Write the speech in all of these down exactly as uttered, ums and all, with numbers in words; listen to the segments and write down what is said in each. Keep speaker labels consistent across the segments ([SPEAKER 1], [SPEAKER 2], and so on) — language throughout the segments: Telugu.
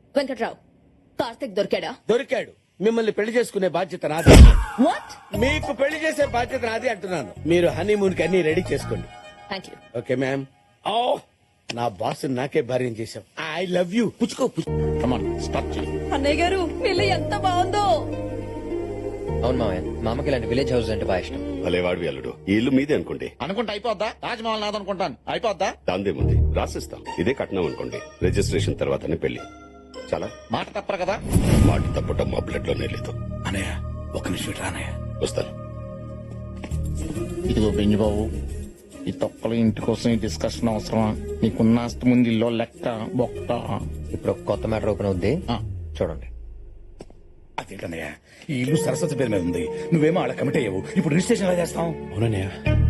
[SPEAKER 1] వెంకట్రావు, కార్తిక్ దొరికాడా?
[SPEAKER 2] దొరికాడు. మిమ్మల్ని పెళ్లి చేసుకునే బాధ్యత నాది.
[SPEAKER 1] వాట్?
[SPEAKER 2] మీకు పెళ్లి చేసే బాధ్యత నాది అంటున్నాను. మీరు హనీమూన్ కి అన్ని రెడీ చేసుకోండి.
[SPEAKER 1] Thank you.
[SPEAKER 2] Okay ma'am. ఓ నా బాస్ నాకే భార్యం చేశాం. I love you. పుచ్చుకో
[SPEAKER 1] అన్నయ్య గారు పిల్ల ఎంత బాగుందో.
[SPEAKER 3] అవును మామయ్య, మా అమ్మకి ఇలాంటి విలేజ్ హౌస్ అంటే బాగా ఇష్టం.
[SPEAKER 4] భలేవాడివి అల్లుడు. ఈ ఇల్లు మీదే అనుకోండి.
[SPEAKER 5] అనుకుంటే అయిపోద్దా? తాజ్మహల్ నాది అనుకుంటాను. అయిపోద్దా?
[SPEAKER 4] దాందేముంది, రాసిస్తాం. ఇదే కట్నం అనుకోండి. రిజిస్ట్రేషన్ తర్వాతనే పెళ్లి. చాలా
[SPEAKER 5] మాట తప్పరు కదా.
[SPEAKER 4] మాట తప్పటం మా బ్లడ్ లోనే లేదు.
[SPEAKER 5] అనయ్య ఒక నిమిషం రానయ్య.
[SPEAKER 4] వస్తాను.
[SPEAKER 5] ఇదిగో బెంజిబాబు, ఈ తొక్కల ఇంటి కోసం ఈ డిస్కషన్ అవసరమా? నీకున్న ఆస్తి ముందు ఇల్లు లెక్క బొక్క.
[SPEAKER 3] ఇప్పుడు ఒక కొత్త మ్యాటర్ ఓపెన్ అవుద్ది,
[SPEAKER 5] ఆ.
[SPEAKER 3] చూడండి.
[SPEAKER 5] అదేంటన్నయ్య, ఈ ఇల్లు సరస్వతి పేరు మీద ఉంది. నువ్వేమో అలా కమిట్ అయ్యావు. ఇప్పుడు రిజిస్ట్రేషన్ ఎలా చేస్తాం?
[SPEAKER 2] అవునన్నయ్య.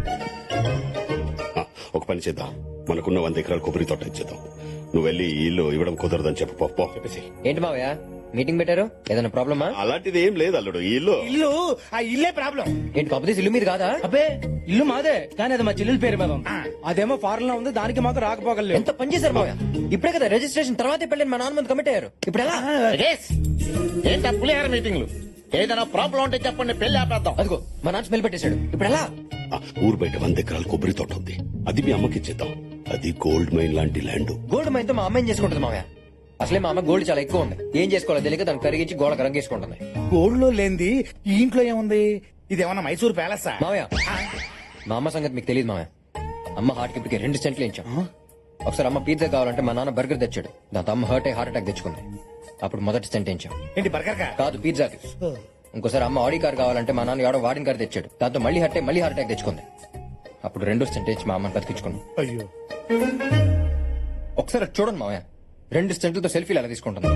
[SPEAKER 4] ఆ, ఒక పని చేద్దాం. మనకున్న వంద ఎకరాల కొబ్బరి తోట ఇచ్చేద్దాం. నువ్వు వెళ్ళి ఈ ఇల్లు ఇవ్వడం కుదరదని చెప్పు. పో, పో. చెప్పేసి
[SPEAKER 3] ఏంటి మావయ్య మీటింగ్ పెట్టారు? ఏదైనా ప్రాబ్లమా?
[SPEAKER 4] అలాంటిది ఏం లేదు అల్లుడు. ఈ ఇల్లు
[SPEAKER 6] ఇల్లు ఆ ఇల్లే ప్రాబ్లం.
[SPEAKER 3] ఏంటి కాకపోతే ఇల్లు మీద కాదా?
[SPEAKER 6] అబ్బే ఇల్లు మాదే, కానీ అది మా చెల్లెల పేరు మీద ఉంది. అదేమో ఫారెన్ లో ఉంది, దానికి మాకు రాకపోగలేదు.
[SPEAKER 3] ఎంత పని చేశారు మావయ్య. ఇప్పుడే కదా రిజిస్ట్రేషన్ తర్వాతే పెళ్ళని మా నాన్న ముందు కమిట్ అయ్యారు. ఇప్పుడు ఎలా?
[SPEAKER 5] ఏంటా పులిహార మీటింగ్లు? ఏదైనా ప్రాబ్లం ఉంటే చెప్పండి, పెళ్లి ఆపేద్దాం.
[SPEAKER 3] అదిగో మా నాన్న స్మెల్ పెట్టేశాడు. ఇప్పుడు ఎలా?
[SPEAKER 4] ఆ, ఊరు బయట వంద ఎకరాల కొబ్బరి తోట ఉంది. అది మీ అమ్మకి ఇచ్చేద్దాం. అది గోల్డ్ మైన్ లాంటి ల్యాండ్.
[SPEAKER 3] గోల్డ్ మైన్తో మా అమ్మాయిని చేసుకుంటుంది మావయ్య. అసలే మా అమ్మ గోల్డ్ చాలా ఎక్కువ ఉంది. ఏం చేసుకోవాలో తెలియక దాన్ని కరిగించి గోడకు రంగేసుకుంటుంది.
[SPEAKER 5] గోల్డ్ లో లేనిది ఈ ఇంట్లో ఏముంది? ఇదేమన్నా మైసూర్ ప్యాలెసా?
[SPEAKER 3] మావయ్య మా అమ్మ సంగతి మీకు తెలియదు మావయ్య. అమ్మ హార్ట్ కి ఇప్పటికే రెండు సెంట్లు ఇచ్చాం. ఒకసారి అమ్మ పిజ్జా కావాలంటే మా నాన్న బర్గర్ తెచ్చాడు. దాంతో అమ్మ హర్ట్ అయ్యి హార్ట్ అటాక్ తెచ్చుకుంది. అప్పుడు మొదటి సెంట్ ఇచ్చాం.
[SPEAKER 5] ఏంటి బర్గర్ కా?
[SPEAKER 3] కాదు, పిజ్జాకి. ఇంకోసారి అమ్మ ఆడి కార్ కావాలంటే మా నాన్న ఎవడో వాడిన కార్ తెచ్చాడు. దాంతో మళ్ళీ హర్ట్ అయ్యి మళ్ళీ హార్ట్ అటాక్ తెచ్చుకుంది. అప్పుడు రెండో సెంట్ ఇచ్చి మా అమ్మని బతికించుకున్నాం.
[SPEAKER 5] అయ్యో,
[SPEAKER 3] ఒకసారి అది చూడండి మావయ్య, రెండు సెంట్లతో సెల్ఫీలు ఎలా తీసుకుంటుంది.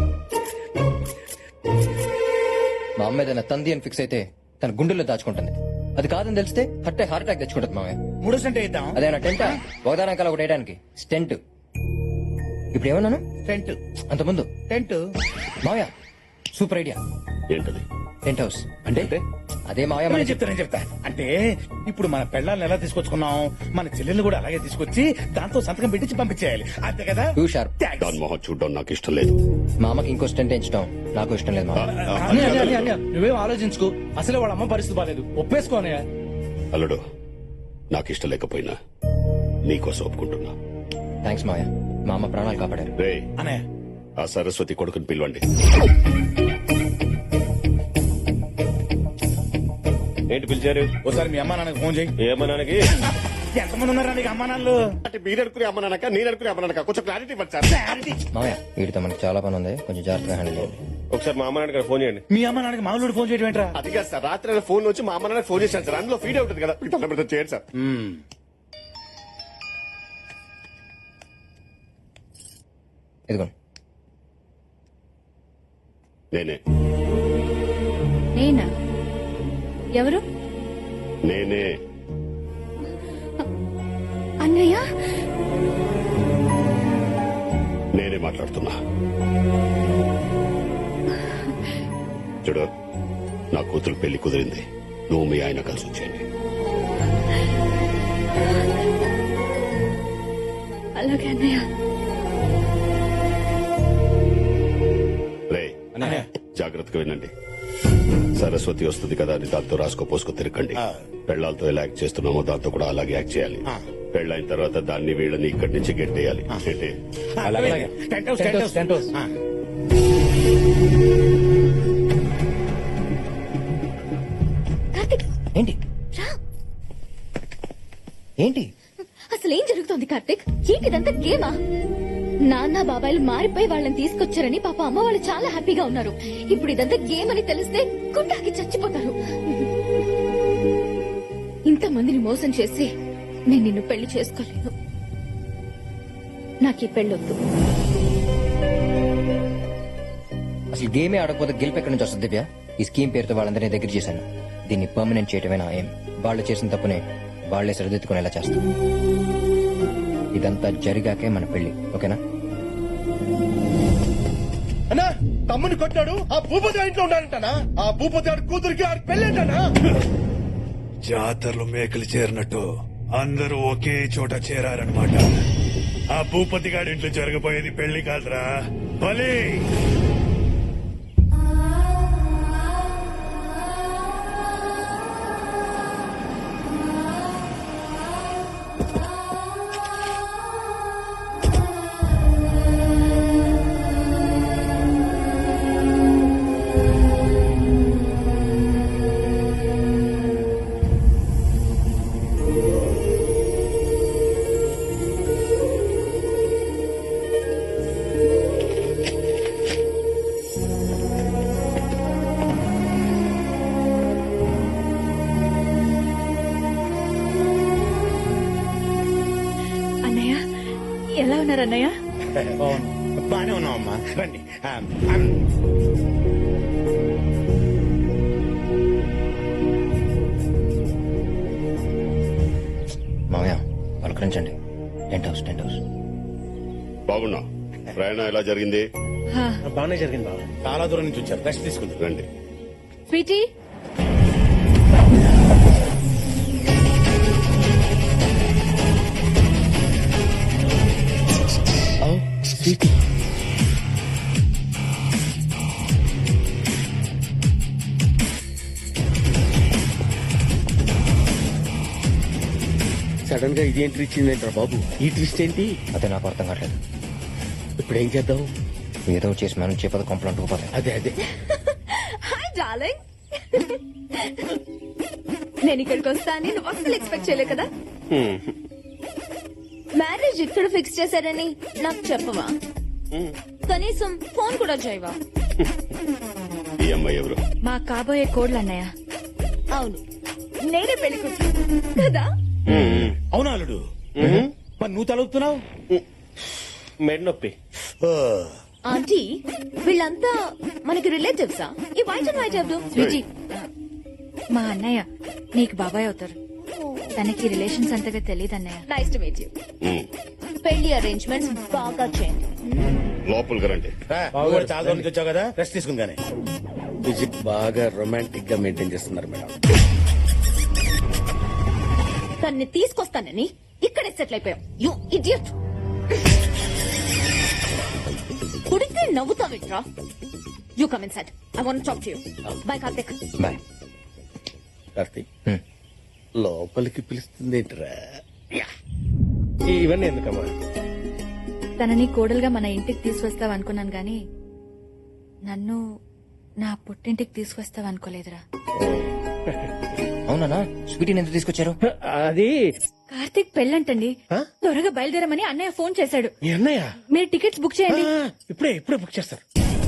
[SPEAKER 3] మా అమ్మ ఏదైనా తంది అని ఫిక్స్ అయితే తన గుండెల్లో దాచుకుంటుంది. అది కాదని తెలిస్తే హట్టే హార్ట్ అటాక్ తెచ్చుకుంటుంది మావయ్య.
[SPEAKER 5] మూడో సెంట్ ఇద్దాం.
[SPEAKER 3] అదేనా టెంటా? ఒకదానకాల ఒకటి వేయడానికి స్టెంట్. ఇప్పుడు ఏమన్నాను?
[SPEAKER 5] టెంట్.
[SPEAKER 3] అంత ముందు
[SPEAKER 5] టెంట్.
[SPEAKER 3] మావయ్య సూపర్ ఐడియా.
[SPEAKER 4] ఏంటది?
[SPEAKER 3] Tent house. అంటే అదే మావయ్య
[SPEAKER 5] నేను
[SPEAKER 3] మనం
[SPEAKER 5] చెప్తా నేను చెప్తా అంటే ఇప్పుడు మన పెళ్ళాలను ఎలా తీసుకొచ్చుకున్నాం, మన చెల్లెల్ని కూడా అలాగే తీసుకొచ్చి దాంతో సంతకం పెట్టించి పంపించేయాలి. అంతే కదా?
[SPEAKER 3] Too sharp.
[SPEAKER 5] Thanks.
[SPEAKER 4] దాని మొహం చూడడం నాకు ఇష్టం లేదు.
[SPEAKER 3] మా అమ్మకి ఇంకో స్టెంట్ ఎంచడం నాకు ఇష్టం లేదు మావయ్య.
[SPEAKER 4] ఆ, అది
[SPEAKER 6] అన్నయ్య,
[SPEAKER 4] కాదు
[SPEAKER 6] అన్నయ్య,
[SPEAKER 4] అల్లుడు.
[SPEAKER 6] అన్నయ్య, నువ్వేం ఆలోచించుకో. అసలే వాళ్ళ అమ్మ పరిస్థితి బాలేదు. ఒప్పేసుకోనయ్యా.
[SPEAKER 4] అల్లుడు, నాకు ఇష్టం లేకపోయినా నీకోసం ఒప్పుకుంటున్నా.
[SPEAKER 3] థ్యాంక్స్ మావయ్య, మా అమ్మ ప్రాణాలు కాపాడారు.
[SPEAKER 4] రే,
[SPEAKER 5] అనే
[SPEAKER 4] ఆ సరస్వతి కొడుకుని పిలవండి.
[SPEAKER 7] ఏంటి పిలిచారు?
[SPEAKER 5] ఒకసారి మీ అమ్మా నాన్నకి ఫోన్ చేయి.
[SPEAKER 7] ఏమన్నానికి?
[SPEAKER 5] ఎంతమంది ఉన్నారా నీకు అమ్మా నాన్నలు?
[SPEAKER 4] అంటే మీరు అనుకునే అమ్మనాక నేను అనుకునే అమ్మనాక కొంచెం క్లారిటీ ఇవ్వండి సార్.
[SPEAKER 3] మావయ్య వీటితో మనకి చాలా పని ఉంది, కొంచెం జాగ్రత్తగా హ్యాండిల్ చేయండి.
[SPEAKER 7] ఒకసారి మా అమ్మ నాన్నకి ఫోన్ చేయండి.
[SPEAKER 5] మీ అమ్మా నాన్నకి మామూలు ఫోన్ చేయడం ఏంట్రా?
[SPEAKER 4] అది కాదు సార్, రాత్రి ఆయన ఫోన్ వచ్చి మా అమ్మ నాన్న ఫోన్ చేశాను సార్. అందులో ఫీడ్ అవుతుంది కదా, మీకు తొందర చేయండి సార్.
[SPEAKER 3] ఇదిగోండి.
[SPEAKER 4] నేనే
[SPEAKER 1] నేనా? ఎవరు?
[SPEAKER 4] నేనే
[SPEAKER 1] అన్నయ్య.
[SPEAKER 4] నేనే మాట్లాడుతున్నా. చూడు, నా కూతురు పెళ్లి కుదిరింది. నువ్వు మీ ఆయన కలిసి వచ్చేయండి.
[SPEAKER 1] అలాగే అన్నయ్య.
[SPEAKER 4] రే, జాగ్రత్తగా వినండి. సరస్వతి వస్తుంది కదా అని దాంతో రాసుకో పోసుకో తిరగండి. పెళ్లాలతో ఎలా యాక్ట్ చేస్తున్నామో దాంతో కూడా అలాగే యాక్ట్ చేయాలి. పెళ్ళైన తర్వాత దాన్ని వీళ్ళని ఇక్కడి నుంచి గెట్టేయాలి. ఏంటి?
[SPEAKER 5] అలాగే. Tent house, tent house, tent house. ఆ.
[SPEAKER 1] కార్తిక్
[SPEAKER 3] ఏంటి
[SPEAKER 1] రా.
[SPEAKER 3] ఏంటి
[SPEAKER 1] అసలు ఏం జరుగుతోంది కార్తిక్? ఏంటిదంతా గేమా? నాన్న బాబాయిలు మారిపోయి వాళ్ళని తీసుకొచ్చారని పాప అమ్మ వాళ్ళు చాలా హ్యాపీగా ఉన్నారు. ఇప్పుడు ఇదంతా గేమ్ అని తెలిస్తే గుండాకి చచ్చిపోతారు. ఇంతమందిని మోసం చేసి నేను నిన్ను పెళ్లి చేసుకోలేను. నాకు ఈ పెళ్ళొద్దు.
[SPEAKER 3] అసలు గేమే ఆడకపోతే గెలుపు ఎక్కడి నుంచి వస్తుంది దివ్య? ఈ స్కీమ్ పేరుతో వాళ్ళందరినీ దగ్గర చేశాను. దీన్ని పర్మనెంట్ చేయటమే నా ఏం. వాళ్ళు చేసిన తప్పునే వాళ్లే సరిదిద్దుకునేలా చేస్తాం. ఇదంతా జరిగాకే మన పెళ్లి, ఓకేనా?
[SPEAKER 2] అన్నా, తమ్ముని కొట్టాడు. ఆ భూపతి ఇంట్లో ఉన్నాడంటనా? ఆ భూపతి ఆడి కూతురికి ఆడి పెళ్ళేంటనా?
[SPEAKER 8] జాతరలో మేకలు చేరినట్టు అందరూ ఒకే చోట చేరారనమాట. ఆ భూపతి గారి ఇంట్లో జరగబోయేది పెళ్లి కాదురా, బలి.
[SPEAKER 9] అన్నయ్య?
[SPEAKER 5] బానే ఉన్నావమ్మా రండి ఆ, ఆ,
[SPEAKER 3] మామయ్య పలకరించండి. Tent house tent house.
[SPEAKER 4] బాగున్నా ప్రయాణం ఎలా జరిగింది?
[SPEAKER 5] బాగానే జరిగింది బాబు. చాలా దూరం నుంచి వచ్చారు, రెస్ట్ తీసుకుంటారు.
[SPEAKER 4] రండి.
[SPEAKER 9] స్వీటీ,
[SPEAKER 10] సడన్ గా ఇదేంటి ఇచ్చిందేంట్రా బాబు? ఈ ట్విస్ట్ ఏంటి?
[SPEAKER 3] అదే నాకు అర్థం కావట్లేదు.
[SPEAKER 10] ఇప్పుడు ఏం చేద్దాం?
[SPEAKER 3] ఏదో చేసి మనం చేపద కొంపలు అంటుకుపోతాయి.
[SPEAKER 10] అదే అదే
[SPEAKER 9] హాయ్ డార్లింగ్. నేను ఇక్కడికి వస్తా అని నువ్వు అసలు ఎక్స్పెక్ట్ చేయలే కదా.
[SPEAKER 1] మ్యారేజ్ ఇక్కడ ఫిక్స్ చేశారని నాకు చెప్పవా? కనీసం ఫోన్ కూడా చేయవా?
[SPEAKER 4] ఈ అమ్మాయి ఎవరు?
[SPEAKER 9] మా కాబోయే కోడ్లు అన్నయ్య.
[SPEAKER 1] అవును,
[SPEAKER 9] నేనే పెళ్లి కూతురు కదా.
[SPEAKER 5] అవునా అల్లుడు? మరి నువ్వు తలుపుతున్నావు?
[SPEAKER 7] మెడ్ నొప్పి.
[SPEAKER 1] ఆంటీ వీళ్ళంతా మనకి రిలేటివ్సా? ఈ వైట్ అండ్ వైట్ ఎవరు?
[SPEAKER 9] స్వీటీ, మా అన్నయ్య నీకు బాబాయ్ అవుతారు. తనకి రిలేషన్స్ అంతగా తెలియదు అన్నయ్య.
[SPEAKER 1] Nice to meet you.
[SPEAKER 4] Um.
[SPEAKER 1] పెళ్లి అరేంజ్మెంట్స్ బాగా చేయండి.
[SPEAKER 4] లోపలికి రండి.
[SPEAKER 5] రా, నువ్వు కూడా చాలా దూరం నుంచి వచ్చావు కదా, రెస్ట్ తీసుకుని కానీ.
[SPEAKER 10] విజిట్ బాగా రొమాంటిక్ గా మెయింటైన్ చేస్తున్నారు మేడం.
[SPEAKER 1] తన్ని తీసుకొస్తానని ఇక్కడే సెటిల్ అయిపోయాం. You idiot. కుడితే నవ్వుతావిట్రా. You come inside. I want talk to you. Bye Karthik.
[SPEAKER 3] Bye.
[SPEAKER 10] Karthik
[SPEAKER 3] hmm.
[SPEAKER 10] లోపలికి పిలుస్తుందేంట్రా?
[SPEAKER 7] ఇవన్నీ ఎందుకమ్మా?
[SPEAKER 9] తనని కోడలుగా మన ఇంటికి తీసుకొస్తావు అనుకున్నాను గాని నన్ను నా పుట్టింటికి తీసుకొస్తావు అనుకోలేదురా.
[SPEAKER 3] అవునా? స్వీటీని ఎందుకు తీసుకొచ్చారు?
[SPEAKER 7] అది
[SPEAKER 9] కార్తీక్ పెళ్ళంటండి. త్వరగా బయలుదేరమని అన్నయ్య ఫోన్ చేశాడు.
[SPEAKER 5] మీ అన్నయ్య
[SPEAKER 9] మీరు టికెట్స్ బుక్ చేయండి.
[SPEAKER 5] ఆ, ఇప్పుడే ఇప్పుడే బుక్ చేస్తారు.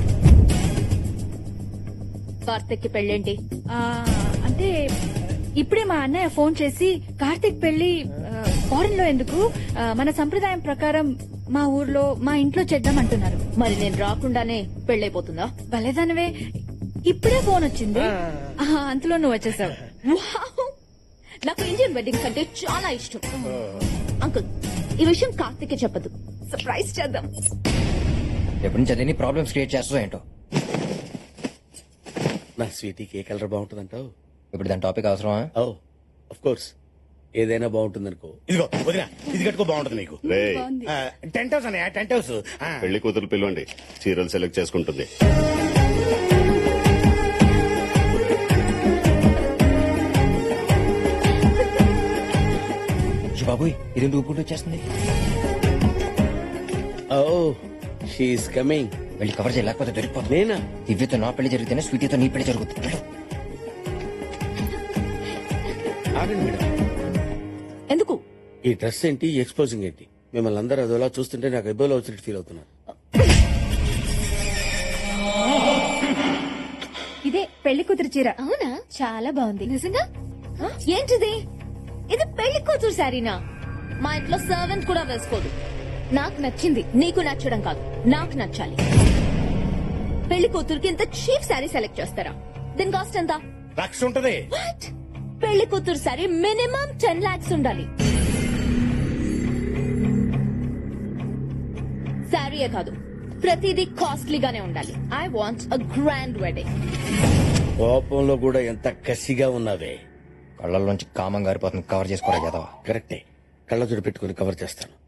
[SPEAKER 1] కార్తిక్ కి పెళ్ళేంటి?
[SPEAKER 9] ఆ, అంటే ఇప్పుడే మా అన్నయ్య ఫోన్ చేసి కార్తీక్ పెళ్లి ఫారెన్ లో ఎందుకు, ఆ, మన సంప్రదాయం ప్రకారం మా ఊర్లో మా ఇంట్లో చేద్దాం అంటున్నారు.
[SPEAKER 1] మరి నేను రాకుండానే పెళ్ళైపోతుందా?
[SPEAKER 9] భలేదానవే, ఇప్పుడే ఫోన్ వచ్చింది. ఆ, అంతలో నువ్వు వచ్చేసావు.
[SPEAKER 1] వావ్! నాకు ఇండియన్ వెడ్డింగ్స్ అంటే చాలా ఇష్టం. అంకుల్, ఈ విషయం కార్తిక్ చెప్పదు. సర్ప్రైజ్ చేద్దాం.
[SPEAKER 3] ఎప్పటి నుంచి అదే ప్రాబ్లమ్స్ క్రియేట్ చేస్తా ఏంటో.
[SPEAKER 10] నా స్వీటీకి ఏ కలర్ బాగుంటుందంటావు?
[SPEAKER 3] ఇప్పుడు దాని టాపిక్ అవసరమా?
[SPEAKER 10] ఓ ఆఫ్ కోర్స్, ఏదైనా బాగుంటుందనుకో.
[SPEAKER 5] ఇదిగో వదినా, ఇది కట్టుకో, బాగుంటుంది నీకు.
[SPEAKER 4] రే,
[SPEAKER 5] ఆ, టెంట్ హౌస్ అన్నయ్య, టెంట్ హౌస్. ఆ,
[SPEAKER 4] పెళ్లి కూతురు పిలవండి. చీరలు సెలెక్ట్ చేసుకుంటుంది.
[SPEAKER 3] బాబోయ్, ఇది ఊపుకుంటూ వచ్చేస్తుంది.
[SPEAKER 10] Oh she's coming.
[SPEAKER 3] వెళ్ళి కవర్ చేయలేకపోతే దొరికిపోతుంది.
[SPEAKER 10] నేనా?
[SPEAKER 3] దివ్యతో నా పెళ్లి జరిగితేనే స్వీటీతో నీ పెళ్లి జరుగుతుంది. వెళ్ళు.
[SPEAKER 10] ఆగండి మేడం,
[SPEAKER 1] ఎందుకు?
[SPEAKER 10] ఈ డ్రెస్ ఏంటి, ఈ ఎక్స్పోజింగ్ ఏంటి? మిమ్మల్ని అందరూ అదోలా చూస్తుంటే నాకు ఎబ్బోలో వచ్చినట్టు ఫీల్ అవుతున్నాను.
[SPEAKER 9] ఇదే పెళ్లి కూతురు చీర.
[SPEAKER 1] అవునా?
[SPEAKER 9] చాలా బాగుంది.
[SPEAKER 1] నిజంగా? ఏంటిది? ఇది పెళ్లి కూతురు శారీనా? మా ఇంట్లో సర్వెంట్ కూడా వేసుకోదు. నాకు నచ్చింది, నీకు నచ్చడం కాదు, నాకు నచ్చాలి. పెళ్లి కూతురుకి ఇంత చీప్ శారీ సెలెక్ట్ చేస్తారా? దీని కాస్ట్ ఎంత?
[SPEAKER 5] లక్ష ఉంటది.
[SPEAKER 1] వాట్? పెళ్లి కూతురు శారీ మినిమం టెన్ లాక్స్ ఉండాలి. శారీయే కాదు, ప్రతిదీ కాస్ట్లీగానే ఉండాలి. I want a grand wedding.
[SPEAKER 10] కోపంలో కూడా ఎంత కసిగా ఉన్నావే.
[SPEAKER 3] కళ్ళల్లోంచి కామం గారిపోతుంది. కవర్ చేసుకోరా కదా.
[SPEAKER 10] కరెక్టే, కళ్ళజోడు పెట్టుకుని కవర్ చేస్తాను.